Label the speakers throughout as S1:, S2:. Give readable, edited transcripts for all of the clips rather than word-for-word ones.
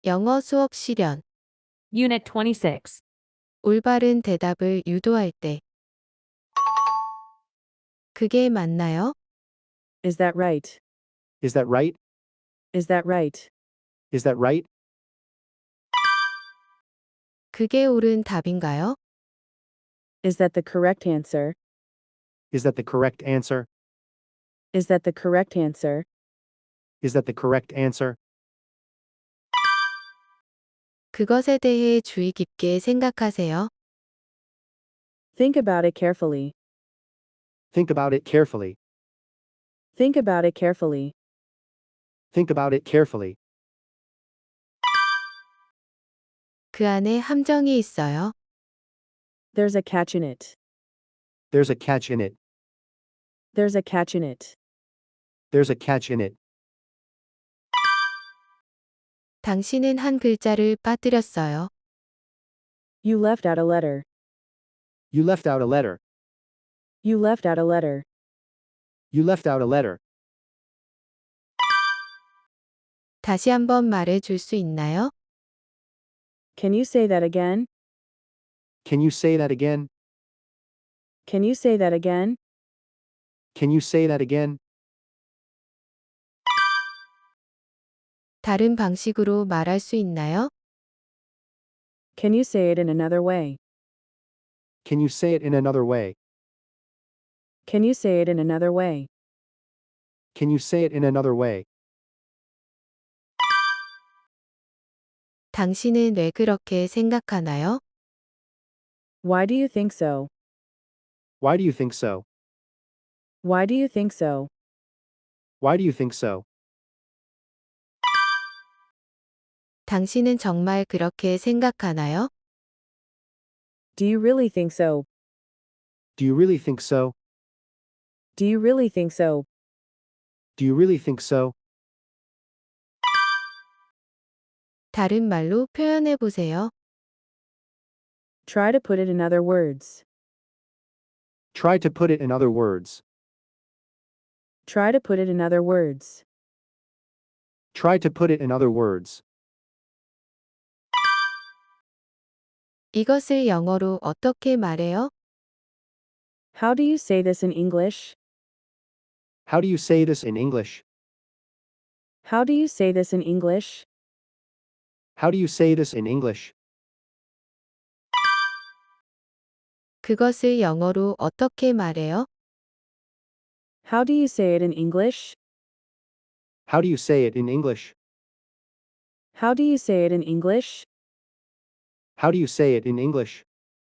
S1: 영어 수업 실현.
S2: Unit 26.
S1: 올바른 대답을 유도할 때. 그게 맞나요?
S3: Is that right?
S4: Is that right?
S3: Is that right?
S4: Is that right?
S1: 그게 옳은 답인가요?
S3: Is that the correct answer?
S4: Is that the correct answer?
S3: Is that the correct answer?
S4: Is that the correct answer?
S1: 그것에 대해 주의 깊게 생각하세요.
S3: Think about it carefully.
S4: Think about it carefully.
S3: Think about it carefully.
S4: Think about it carefully.
S1: 그 안에 함정이 있어요.
S3: There's a catch in it.
S4: There's a catch in it.
S3: There's a catch in it.
S4: There's a catch in it.
S1: 당신은 한 글자를 빠뜨렸어요.
S3: You left out a letter.
S4: You left out a letter.
S3: You left out a letter.
S4: You left out a letter.
S1: 다시 한번 말해 줄 수 있나요?
S3: Can you say that again?
S4: Can you say that again?
S3: Can you say that again?
S4: Can you say that again?
S1: 다른 방식으로 말할 수 있나요?
S3: Can you say it in another way?
S4: Can you say it in another way?
S3: Can you say it in another way?
S4: Can you say it in another way?
S1: 당신은 왜 그렇게 생각하나요?
S3: Why do you think so?
S4: Why do you think so?
S3: Why do you think so?
S4: Why do you think so?
S1: 당신은 정말 그렇게 생각하나요?
S3: Do you really think so?
S4: Do you really think so?
S3: Do you really think so?
S4: Do you really think so?
S1: 다른 말로 표현해 보세요.
S3: Try to put it in other words.
S4: Try to put it in other words.
S3: Try to put it in other words.
S4: Try to put it in other words.
S1: 이것을 영어로 어떻게 말해요?
S3: How do you say this in English?
S4: How do you say this in English?
S3: How do you say this in English?
S4: How do you say this in English?
S1: 그것을 영어로 어떻게 말해요?
S3: How do you say it in English?
S4: How do you say it in English?
S3: How do you say it in English?
S4: How do you say it in English?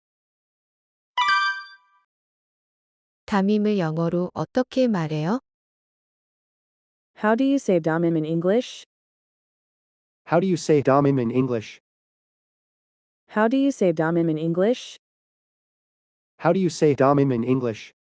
S1: 담임을 영어로 어떻게 말해요?
S3: How do you say damim in English?
S4: How do you say damim in English?
S3: How do you say damim in English?
S4: How do you say damim in English?